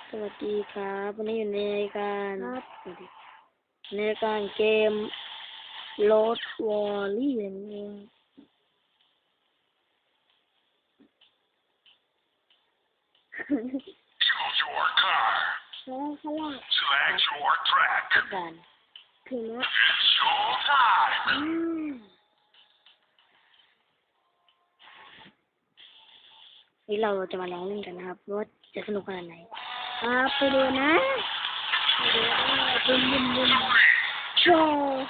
สวัสดีครับวันนี้อยู่ในรายการในรายการเกมโรดวอลลี่นั่นเอง Select your track. กันถึงแล้ว It's showtime. นี่เราจะมาลองเล่นกันนะครับว่าจะสนุกขนาดไหนไปดูนะบุมบุมบุมโชว์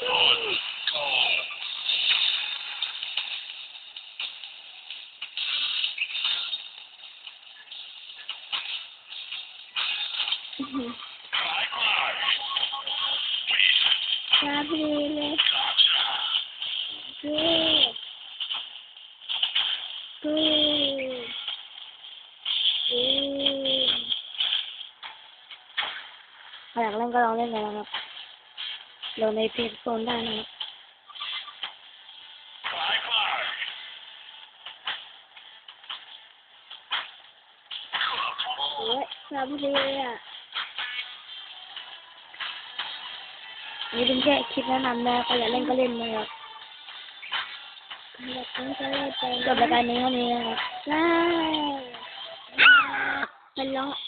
ชาบีเลยกูอยากเล่นก็ลองเล่นกันนะครับเราในเพจโซนได้นะครับโอ้ยชาบีเลยอ่ะนี่เป็นแค่คลิปแนะนำนะใครอยากเล่นก็เล่นนะครับจบรายการนี้เท่านี้นะครับเป็นร้อง